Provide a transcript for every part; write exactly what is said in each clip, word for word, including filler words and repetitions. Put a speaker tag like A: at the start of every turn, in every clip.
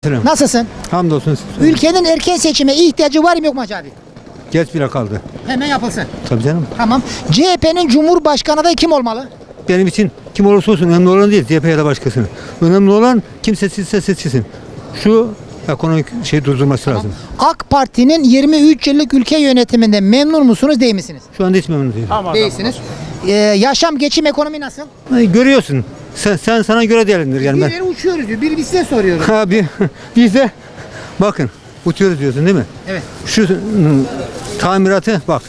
A: Selam.
B: Nasılsın?
A: Hamdolsun.
B: Ülkenin erken seçime ihtiyacı var mı yok mu Hacı abi?
A: Geç bile kaldı.
B: Hemen yapılsın.
A: Tabii canım.
B: Tamam. C H P'nin Cumhurbaşkanı adayı kim olmalı?
A: Benim için kim olursa olsun önemli olan değil. C H P ya da başkasını. Önemli olan kim seçilse seçilsin. Şu ekonomik şey durdurması lazım.
B: AK Parti'nin yirmi üç yıllık ülke yönetiminde memnun musunuz değil misiniz?
A: Şu anda hiç memnun değilim.
B: Değilsiniz. Ee, yaşam, geçim, ekonomi nasıl?
A: Ay, görüyorsun. Sen, sen sana göre değerlendir yani ben.
B: Birileri uçuyoruz diyor. Biri biz size soruyoruz.
A: Abi biz de bakın uçuyoruz diyorsun değil mi?
B: Evet.
A: Şu hı, tamiratı bak.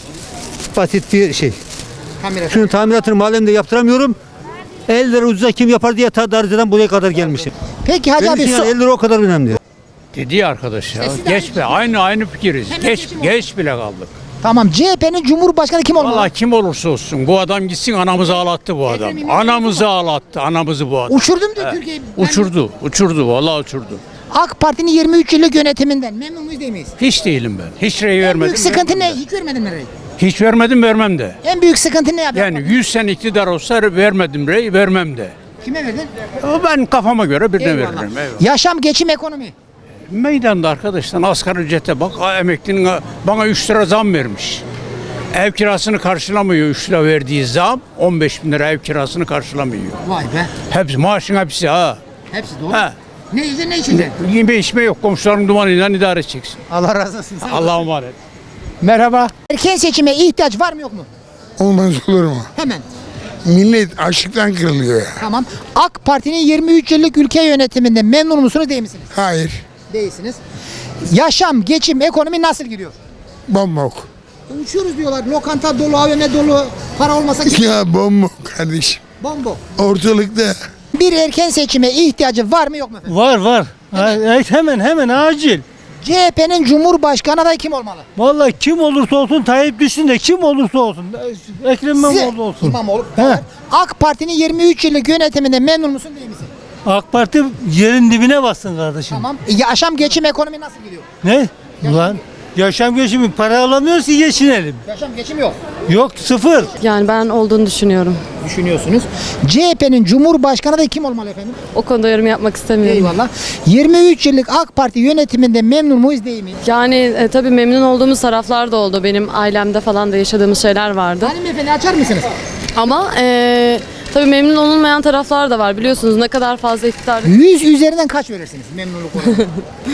A: Basit bir şey.
B: Kamera.
A: Şunun tamiratını mahallemde yaptıramıyorum. elli lira ucuza kim yapar diye ta Darıca'dan buraya kadar gelmişim.
B: Peki Hacı
A: Benim
B: abi
A: için yani
B: so-
A: elli lira o kadar önemli.
C: Dedi ya arkadaş ya.
B: Sesi de
C: Geç
B: aynı.
C: be. Aynı aynı fikiriz.
B: Hemen
C: Geç
B: seçim
C: geç bile kaldık.
B: Tamam. C H P'nin Cumhurbaşkanı kim olmalı?
C: Vallahi kim olursa olsun bu adam gitsin anamızı ağlattı bu adam.
B: Ekrem İmamoğlu
C: Anamızı ağlattı. Anamızı bu adam.
B: Uçurdum diyor Türkiye'yi. Ben-
C: Uçurdu. Uçurdu. Vallahi uçurdu.
B: AK Parti'nin yirmi üç yıllık yönetiminden memnun muyuz değil miyiz?
C: Hiç değilim ben. Hiç rey
B: En
C: vermedim.
B: büyük sıkıntı ne?
C: vermem de.
B: Hiç vermedin mi rey?
C: Hiç vermedim vermem de.
B: En büyük sıkıntı ne abi?
C: Yani yüz sene iktidar olsa vermedim rey vermem de.
B: Kime verdin?
C: O ben kafama göre birine
B: Eyvallah.
C: veririm. Eyvallah.
B: Yaşam, geçim, ekonomi.
C: Meydanda arkadaşlar asgari ücrete bak. ha, Emeklinin ha, bana üç lira zam vermiş. Ev kirasını karşılamıyor üç lira verdiği zam. on beş bin lira ev kirasını karşılamıyor.
B: Vay be.
C: Hepsi maaşın hepsi ha.
B: Hepsi doğru.
C: Ha.
B: Ne yiyeceksin ne içeceksin?
C: Yeme içme yok komşuların dumanıyla idare edeceksin.
B: Allah razı olsun. Sağ ol.
C: Allah'a emanet.
B: Merhaba. Erken seçime ihtiyaç var mı yok mu?
D: Olmaz olur mu?
B: Hemen.
D: Millet açlıktan kırılıyor ya.
B: Tamam. AK Parti'nin yirmi üç yıllık ülke yönetiminde memnun musunuz değil misiniz?
D: Hayır.
B: Değilsiniz. Yaşam, geçim, ekonomi nasıl gidiyor?
D: Bombok.
B: Uçuyoruz diyorlar. Lokanta dolu, A V M dolu. Para olmasa
D: Ya bombok kardeşim.
B: bombo.
D: Ortalıkta
B: Bir erken seçime ihtiyacı var mı yok mu efendim?
E: Var var. Evet, hemen hemen acil.
B: C H P'nin Cumhurbaşkanı adayı kim olmalı?
E: Vallahi kim olursa olsun Tayyip düşsün de kim olursa olsun. Ekrem İmamoğlu olsun.
B: İmamoğlu.
E: He.
B: AK Parti'nin yirmi üç yıllık yönetiminde memnun musun değil misin?
E: AK Parti yerin dibine bassın kardeşim.
B: Tamam. Yaşam, geçim, ekonomi nasıl gidiyor?
E: Ne? Ulan yaşam geçimi para alamıyoruz ki geçinelim.
B: Yaşam, geçim yok.
E: Yok sıfır.
F: Yani ben olduğunu düşünüyorum.
B: Düşünüyorsunuz. C H P'nin Cumhurbaşkanı adayı kim olmalı efendim?
F: O konuda yorum yapmak istemiyorum.
B: Eyvallah. yirmi üç yıllık AK Parti yönetiminde memnun muyuz değil miyiz?
F: Yani e, tabii memnun olduğumuz taraflar da oldu. Benim ailemde falan da yaşadığımız şeyler vardı.
B: Hanımefendi açar mısınız?
F: Ama e, tabii memnun olunmayan taraflar da var. Biliyorsunuz ne kadar fazla iktidar...
B: yüz üzerinden kaç verirsiniz memnunluk oranı?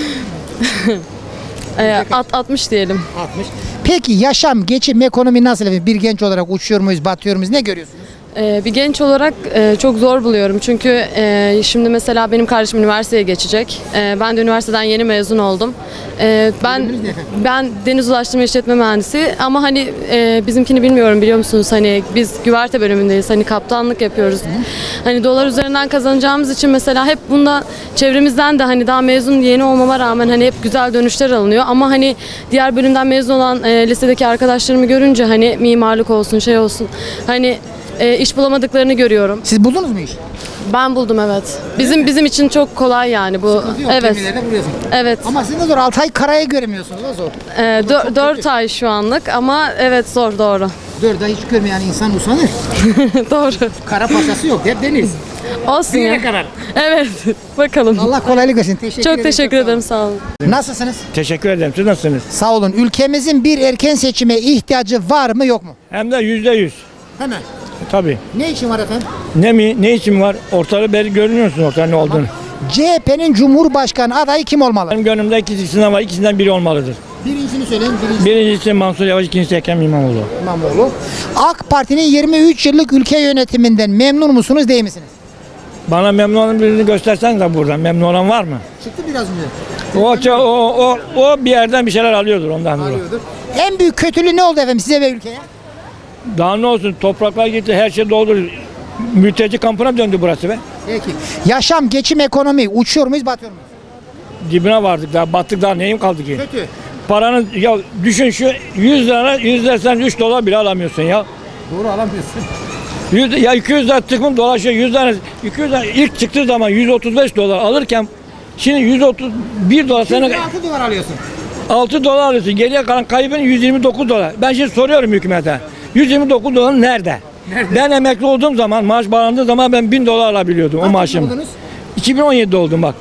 F: E, at, altmış diyelim.
B: altmış. Peki yaşam, geçim, ekonomi nasıl efendim? Bir genç olarak uçuyor muyuz, batıyor muyuz? Ne görüyorsunuz?
F: E, bir genç olarak e, çok zor buluyorum. Çünkü e, şimdi mesela benim kardeşim üniversiteye geçecek. E, ben de üniversiteden yeni mezun oldum. E, ben
B: Bölümünüz ne efendim?
F: ben deniz ulaştırma işletme mühendisi ama hani e, bizimkini bilmiyorum biliyor musunuz? Hani biz güverte bölümündeyiz. Hani kaptanlık yapıyoruz. Hani dolar üzerinden kazanacağımız için mesela hep bundan çevremizden de hani daha mezun yeni olmama rağmen hani hep güzel dönüşler alınıyor. Ama hani diğer bölümden mezun olan e, lisedeki arkadaşlarımı görünce hani mimarlık olsun şey olsun hani e, iş bulamadıklarını görüyorum.
B: Siz buldunuz mu iş?
F: Ben buldum evet. Bizim bizim için çok kolay yani bu.
B: Yok,
F: Evet.
B: gemilerde buluyorsun.
F: Evet.
B: Ama siz de zor. altı ay karaya göremiyorsunuz. O zor.
F: E, dö- dört ay şu anlık ama evet zor doğru.
B: dört ay hiç görmeyen insan usanır.
F: Doğru.
B: Kara pasası yok. Hep deniz.
F: Olsun
B: Bir yere
F: ya.
B: kadar.
F: Evet. Bakalım.
B: Allah kolaylık versin. Teşekkür
F: Çok
B: ederim.
F: teşekkür
B: sağ olun.
F: ederim sağ olun.
B: Nasılsınız?
G: Teşekkür ederim. Siz nasılsınız?
B: Sağ olun. Ülkemizin bir erken seçime ihtiyacı var mı yok mu?
G: Hem de yüzde yüz.
B: Hemen.
G: Tabii.
B: Ne için var efendim?
G: Ne mi? Ne için var? Ortalığı belli görünüyorsun ortada ne olduğunu.
B: C H P'nin Cumhurbaşkanı adayı kim olmalı?
G: Benim gönlümde iki isim var. İkisinden biri olmalıdır.
B: Birincisini söyleyin. Birincisi
G: Birincisi Mansur Yavaş, ikincisi Ekrem İmamoğlu.
B: İmamoğlu. AK Parti'nin yirmi üç yıllık ülke yönetiminden memnun musunuz değil misiniz?
G: Bana memnun olan birini göstersen de buradan. Memnun olan var mı?
B: Çıktı biraz önce.
G: O, o, o, o, o bir yerden bir şeyler alıyordur ondan dolayı.
B: Arıyordur. En büyük kötülüğü ne oldu efendim size ve ülkeye?
G: Daha ne olsun? Topraklar gitti, her şey doldu. Mülteci kampına döndü burası be.
B: Peki. Yaşam, geçim, ekonomi. Uçuyor muyuz, batıyor muyuz?
G: Dibine vardık daha, battık daha neyim kaldı ki?
B: Kötü.
G: Paranın, ya düşün şu yüz lira, yüz dersen üç dolar bile alamıyorsun ya.
B: Doğru alamıyorsun.
G: yüz, ya iki yüz lira tıkım dolaşıyor. yüz tane, iki yüz lira ilk çıktığı zaman yüz otuz beş dolar alırken şimdi yüz otuz bir dolar sana
B: altı dolar alıyorsun.
G: altı dolar alıyorsun. Geriye kalan kaybın yüz yirmi dokuz dolar. Ben şimdi soruyorum hükümete. yüz yirmi dokuz dolar nerede? Nerede? Ben emekli olduğum zaman, maaş bağlandığı zaman ben bin dolar alabiliyordum o maaşım.
B: Buldunuz?
G: iki bin on yedide oldum bak.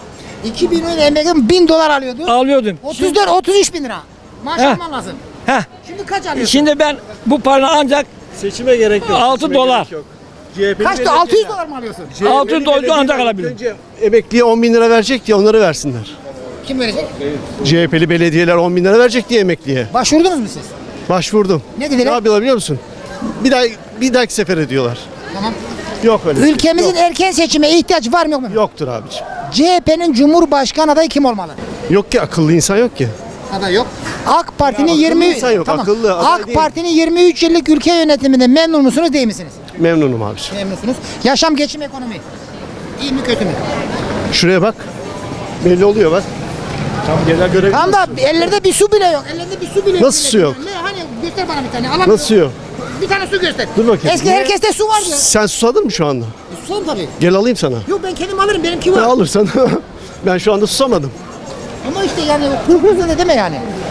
B: iki bin on emekli bin dolar alıyordu.
G: Alıyordum.
B: otuz dört otuz üç bin lira. Maaş
G: Heh.
B: alman lazım.
G: Heh.
B: Şimdi kaç alıyorsun?
G: Şimdi ben bu paranı ancak
H: Seçime gerek yok.
G: altı
H: Seçime
G: dolar.
H: gerek yok. C H P'li
B: Kaçtı?
H: belediye-
B: altı yüz dolar mı alıyorsun?
G: altı dolar ancak alabilirim.
H: Önce emekliye on bin lira verecek diye onları versinler.
B: Kim verecek?
H: C H P'li belediyeler on bin lira verecek diye emekliye.
B: Başvurdunuz mu siz?
H: Başvurdum.
B: Ne dediler?
H: Ne yapıyorlar biliyor musun? Bir daha bir dahaki sefer ediyorlar.
B: Tamam.
H: Yok öyle. şey.
B: Ülkemizin
H: Yok.
B: erken seçime ihtiyaç var mı yok mu?
H: Yoktur abiciğim.
B: C H P'nin Cumhurbaşkanı adayı kim olmalı?
H: Yok ki akıllı insan yok ki.
B: Aday yok. AK Parti'nin
H: Ya akıllı
B: yirmi
H: insan yok, akıllı aday
B: AK
H: değil.
B: Parti'nin yirmi üç yıllık ülke yönetiminde memnun musunuz değil misiniz?
H: Memnunum abiciğim.
B: Memnunsunuz. Yaşam, geçim, ekonomi. İyi mi kötü mü?
H: Şuraya bak. Belli oluyor bak. Tam genel görev.
B: Tam da ellerde bir su bile yok. Ellerinde bir su bile yok.
H: Nasıl su yok?
B: Ne hani göster bana bir tane. Alamıyorum.
H: Nasıl yok?
B: Bir tane su göster.
H: Dur bakayım.
B: Eski
H: Niye?
B: herkeste su vardı.
H: Sen susadın mı şu anda?
B: Son tabii.
H: Gel alayım sana.
B: Yok ben kendim alırım. Benimki var.
H: Ne alırsan. Ben şu anda susamadım.
B: Ama işte yani kurtulsa da deme yani.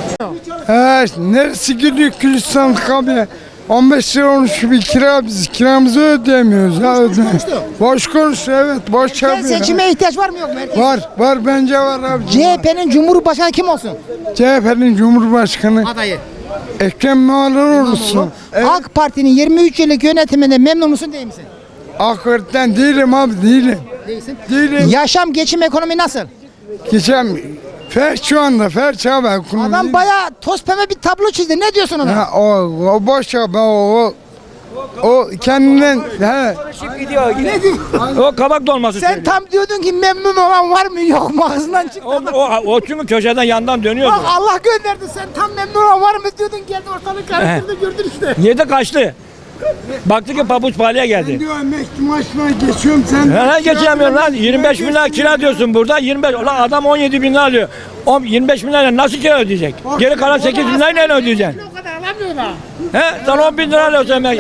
I: He, neresi gidiyor Gülistan kabine? on beş lira olmuş bir kira biz kiramızı ödeyemiyoruz ya ödeyemiyoruz. Boş konuşuyor evet boş
B: Erken
I: yapıyor.
B: seçime ihtiyaç var mı yok mu? Erken-
I: Var var bence var abi.
B: C H P'nin Cumhurbaşkanı kim olsun?
I: C H P'nin Cumhurbaşkanı
B: Adayı.
I: Ekrem İmamoğlu olsun. Evet,
B: AK Parti'nin yirmi üç yıllık yönetiminde memnun musun değil misin?
I: hakikaten değilim abi değilim.
B: Değilsin.
I: Değilim.
B: Yaşam, geçim, ekonomi nasıl?
I: Geçen fer şu anda fer abi. ekonomi
B: Adam
I: değil.
B: bayağı toz pembe bir tablo çizdi. Ne diyorsun ona?
I: Ha, o, o boş abi o, o, o kendinden he.
G: Gidiyor. O kabak dolması
B: Sen
G: söylüyor.
B: tam diyordun ki memnun olan var mı yok mu ağzından çıktı.
G: O, o, o çünkü köşeden yandan dönüyordu.
B: Bak Allah gönderdi sen tam memnun olan var mı diyordun geldi ortalık karıştırdı gördün işte.
G: Yedi kaçtı. Baktı ki pabuç pahalıya geldi.
I: Diyor emekli maaşına geçiyorum sen.
G: Ben geçemiyorum lan. yirmi beş bin lira kira diyorsun burada. yirmi beş. Ulan adam on yedi bin lira alıyor. On, yirmi beş bin lira nasıl kira ödeyecek? Geri kalan sekiz bin lirayla ne ödeyeceksin?
B: O kadar alamıyorlar.
G: He? Sen on bin lira alıyorsun emek.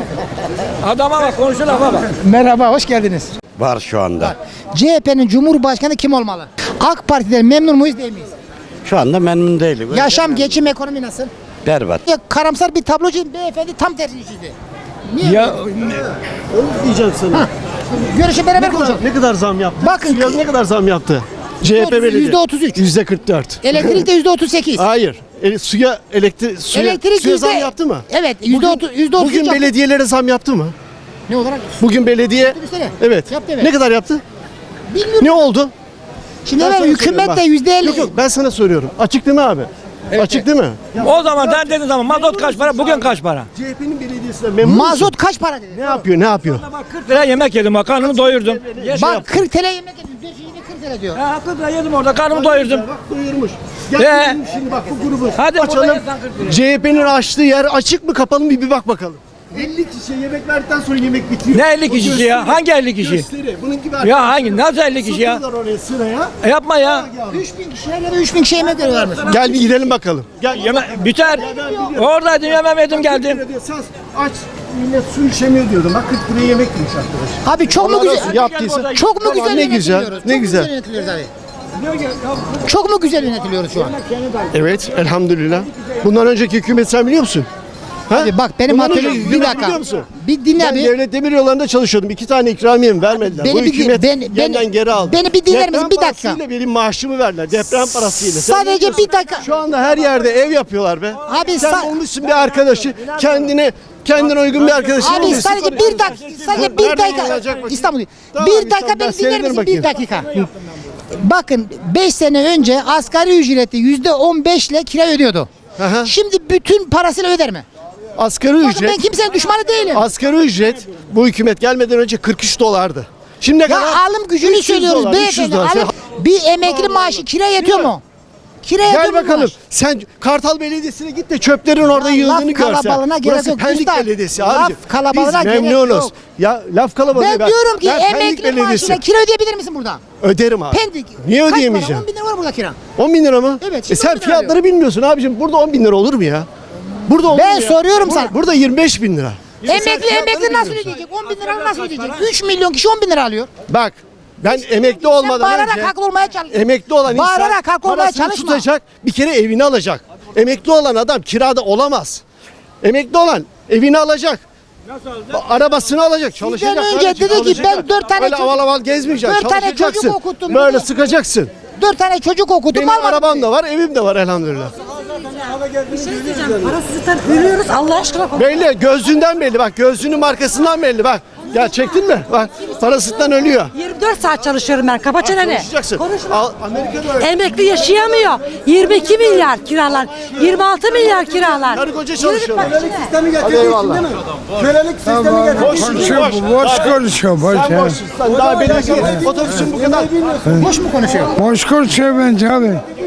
G: Adama bak konuşun lafa bak.
B: Merhaba hoş geldiniz.
J: Var şu anda.
B: C H P'nin Cumhurbaşkanı kim olmalı? AK Parti'den memnun muyuz değil miyiz?
J: Şu anda memnun değilim.
B: Yaşam, geçim, ekonomi nasıl?
J: Berbat.
B: Ya, karamsar bir tablo çizdi. Beyefendi tam tersini çizdi. Niye?
G: Ya
H: Onu diyeceğim sana.
B: Görüşe beraber konuşalım.
H: Ne kadar zam yaptı?
B: Bakın.
H: Suya ne kadar zam yaptı? C H P belediye.
B: yüzde otuz üç.
H: yüzde kırk dört.
B: Elektrikte yüzde otuz sekiz.
H: Hayır. E, suya elektrik suya,
B: Elektrik
H: suya
B: yüzde...
H: zam yaptı mı?
B: Evet yüzde otuz, yüzde otuz üç
H: Bugün
B: yaptı.
H: belediyelere zam yaptı mı?
B: Ne olarak?
H: Bugün belediye
B: Otobüslere.
H: evet.
B: Yaptı, evet.
H: Ne kadar yaptı?
B: Bilmiyorum.
H: Ne oldu?
B: Şimdi
H: Ben
B: ben
H: sana
B: hükümet
H: soruyorum
B: de
H: bak.
B: yüzde elli.
H: Yok yok ben sana soruyorum. Açık değil mi abi? Açık değil mi?
G: o zaman sen dediğin zaman mazot kaç para? Bugün kaç para?
H: C H P'nin belediyesine memnun musun?
B: Mazot kaç para dedi?
H: Ne yapıyor? Ne yapıyor?
G: Bak kırk lira yemek yedim bak karnımı doyurdum.
B: Bak kırk TL yemek yedim. Dört yine kırk TL diyor.
G: Ha, kırk lira yedim orada karnımı doyurdum.
H: Bak doyurmuş. Gel
G: Ee?
H: bizim şimdi bak bu grubu
G: Hadi burada
H: açalım.
G: yazsan kırk lira.
H: C H P'nin açtığı yer açık mı kapalı mı bir bak bakalım. elli kişi yemek verdikten sonra yemek bitiyor.
G: Ne elli
H: O
G: kişisi
H: gösteri,
G: ya? Hangi elli kişi?
H: Gösteri. Bunun gibi
G: Ya hangi? Nasıl elli kişi ya?
H: Sokuyorlar oraya sıraya.
G: E, yapma ya.
B: üç bin kişiye göre üç bin kişi yemek veriyorlarmış.
H: Gel bir gidelim bakalım. Gel.
G: Yeme biter. Oradaydım yemem yedim geldim.
H: Sen aç millet su içemiyor diyordum. Bak kırk liraya yemek yemiş arkadaş.
B: Abi çok mu
H: Allah
B: güzel?
H: razı olsun, yaptıysa.
B: Çok mu
H: Tamam,
B: güzel
H: ne güzel,
B: yönetiliyoruz?
H: ne
B: Çok mu
H: güzel.
B: güzel yönetiliyoruz abi? Çok mu güzel yönetiliyoruz şu an?
H: Evet elhamdülillah. Bundan önceki hükümet sen biliyor musun? Ha?
B: Abi bak benim
H: Bundan
B: hatırlıyorum.
H: önceki
B: Bir
H: hükümet
B: dakika.
H: biliyor musun?
B: Bir dinle
H: Ben
B: abi.
H: devlet demir yollarında çalışıyordum. İki tane ikramiyemi vermediler.
B: Beni
H: Bu
B: bir-
H: hükümet
B: ben-
H: yeniden
B: beni-
H: geri aldı.
B: beni bir dinler misin?
H: Deprem
B: Bir dakika.
H: parasıyla benim maaşımı verdiler. Deprem parasıyla. Sen
B: Sadece
H: ne diyorsun?
B: bir dakika.
H: Şu anda her yerde ev yapıyorlar be.
B: Abi
H: sen
B: sa-
H: bulmuşsun bir arkadaşı. Kendine kendine uygun bir arkadaşı.
B: Abi
H: bulmuşsun.
B: sadece bir dakika, sadece bir
H: Nereden
B: dakika.
H: olacak bakayım?
B: İstanbul.
H: Tamam,
B: Bir
H: İstanbul,
B: dakika
H: ben
B: beni dinler
H: seyrederim
B: misin?
H: bakayım.
B: Bir dakika. Bakın beş sene önce asgari ücreti yüzde on beş ile kira ödüyordu.
H: Aha.
B: Şimdi bütün parasıyla öder mi?
H: Asgari
B: Bakın
H: ücret.
B: ben kimsenin düşmanı değilim.
H: Asgari ücret bu hükümet gelmeden önce kırk üç dolardı. Şimdi ne
B: Ya
H: kadar?
B: alım gücünü
H: üç yüz
B: söylüyoruz
H: dolar, üç yüz
B: beyefendi.
H: dolar.
B: Alım, bir emekli maaşı kira yetiyor mu? Kira yetiyor
H: Gel
B: mu
H: bakalım.
B: maaş?
H: Sen Kartal Belediyesi'ne git de çöplerin orada
B: Ya
H: yığıldığını
B: laf
H: görsen.
B: kalabalığına gerek
H: Burası
B: yok.
H: Pendik
B: Üstad,
H: Belediyesi
B: laf
H: abicim.
B: kalabalığına
H: Biz
B: gerek
H: memnunuz.
B: yok.
H: Ya laf kalabalığı.
B: Ben diyorum ki
H: ben Pendik
B: emekli
H: Belediyesi.
B: maaşına kira ödeyebilir misin burada?
H: Öderim abi.
B: Pendik.
H: Niye
B: Kaç para?
H: ödeyemeyeceğim?
B: on bin lira var burada kira.
H: on bin lira mı?
B: Evet,
H: E
B: şimdi
H: sen
B: on bin lira
H: fiyatları
B: alıyor.
H: bilmiyorsun abicim. Burada on bin lira olur mu ya? Burada olur
B: Ben
H: mu ya?
B: soruyorum
H: Burada-
B: sana.
H: Burada yirmi beş bin lira.
B: Emekli
H: fiyatları
B: emekli nasıl
H: bilmiyorsun.
B: ödeyecek? on bin lira nasıl ödeyecek? üç milyon kişi on bin lira alıyor.
H: Bak ben emekli
B: Sen
H: olmadan
B: bağırarak
H: önce
B: haklı olmaya çalışıyorsun.
H: emekli olan insan
B: Bağırarak haklı olmaya
H: parasını
B: çalışma.
H: tutacak, bir kere evini alacak. Emekli olan adam kirada olamaz. Emekli olan evini alacak. Arabasını alacak, çalışacak.
B: önce
H: kardeşim,
B: dedi ki,
H: çalışacak.
B: ben dört tane
H: Öyle
B: çocuk-
H: aval aval gezmeyeceksin.
B: dört tane çocuk
H: çalışacaksın.
B: okuttum
H: Böyle
B: dedi.
H: sıkacaksın.
B: Dört tane çocuk okudum.
H: Benim
B: almadım.
H: arabam da var, evim de var elhamdülillah.
K: Parasızlıktan ölüyoruz Allah aşkına.
H: Belli, gözlüğünden belli. Bak gözlüğünün markasından belli. Bak. Ya çektin mi? Bak parasızlıktan ölüyor.
K: yirmi dört saat çalışıyorum ben. Kapa çeneni.
H: Çalışacaksın.
K: Konuşma.
H: Al, Amerika'da öyle.
K: Emekli yaşayamıyor. yirmi iki milyar kiralar. yirmi altı milyar kiralar.
H: Karı koca
K: Yürü
H: çalışıyorlar.
K: bak içine.
H: Hadi eyvallah.
I: Kölelik sistemi getirdi. Boş konuşuyor, boş konuşuyor, boş.
H: Sen boşsun. Sen daha benim gibi otobüsün bu kadar.
B: Boş mu konuşuyor?
I: Boş konuşuyor bence abi.